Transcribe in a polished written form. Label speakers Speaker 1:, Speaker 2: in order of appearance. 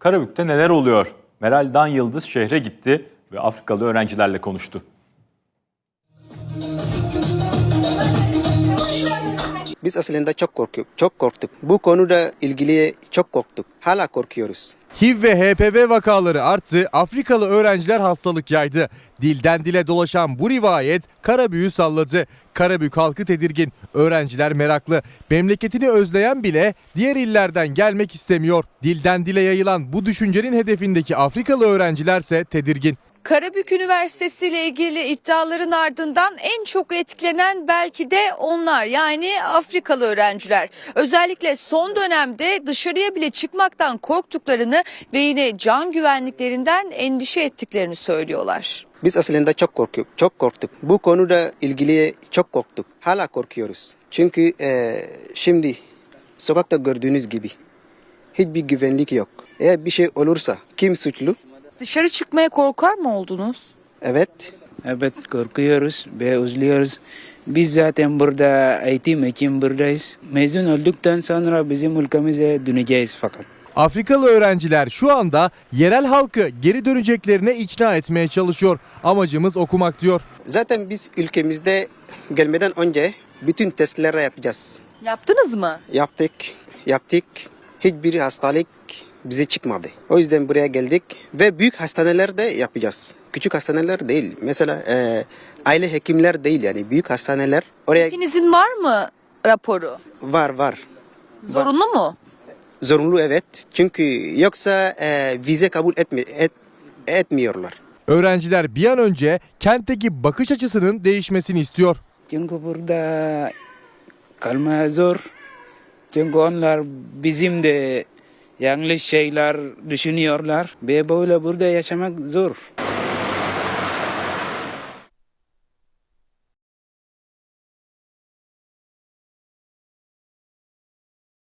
Speaker 1: Karabük'te neler oluyor? Meral Dan Yıldız şehre gitti ve Afrikalı öğrencilerle konuştu.
Speaker 2: Biz aslında çok korktuk. Bu konuda ilgili çok korktuk. Hala korkuyoruz.
Speaker 3: HIV ve HPV vakaları arttı, Afrikalı öğrenciler hastalık yaydı. Dilden dile dolaşan bu rivayet Karabük'ü salladı. Karabük halkı tedirgin, öğrenciler meraklı. Memleketini özleyen bile diğer illerden gelmek istemiyor. Dilden dile yayılan bu düşüncenin hedefindeki Afrikalı öğrencilerse tedirgin.
Speaker 4: Karabük Üniversitesi ile ilgili iddiaların ardından en çok etkilenen belki de onlar, yani Afrikalı öğrenciler. Özellikle son dönemde dışarıya bile çıkmaktan korktuklarını ve yine can güvenliklerinden endişe ettiklerini söylüyorlar.
Speaker 2: Biz aslında çok korktuk. Bu konuda ilgili çok korktuk. Hala korkuyoruz. Çünkü şimdi sokakta gördüğünüz gibi hiçbir güvenlik yok. Eğer bir şey olursa kim suçlu?
Speaker 4: Dışarı çıkmaya korkar mı oldunuz?
Speaker 2: Evet.
Speaker 5: Evet, korkuyoruz ve üzülüyoruz. Biz zaten burada eğitim için buradayız. Mezun olduktan sonra bizim ülkemize döneceğiz fakat.
Speaker 3: Afrikalı öğrenciler şu anda yerel halkı geri döneceklerine ikna etmeye çalışıyor. Amacımız okumak diyor.
Speaker 2: Zaten biz ülkemizde gelmeden önce bütün testleri yapacağız.
Speaker 4: Yaptınız mı?
Speaker 2: Yaptık. Hiçbir hastalık bize çıkmadı. O yüzden buraya geldik ve büyük hastanelerde yapacağız. Küçük hastaneler değil. Mesela aile hekimler değil, yani büyük hastaneler. Oraya
Speaker 4: Hepinizin var mı raporu?
Speaker 2: var.
Speaker 4: Zorunlu mu?
Speaker 2: Zorunlu, evet. Çünkü yoksa vize kabul etmiyorlar.
Speaker 3: Öğrenciler bir an önce kentteki bakış açısının değişmesini istiyor.
Speaker 5: Çünkü burada kalmaya zor. Çünkü onlar bizim de yanlış şeyler düşünüyorlar ve böyle burada yaşamak zor.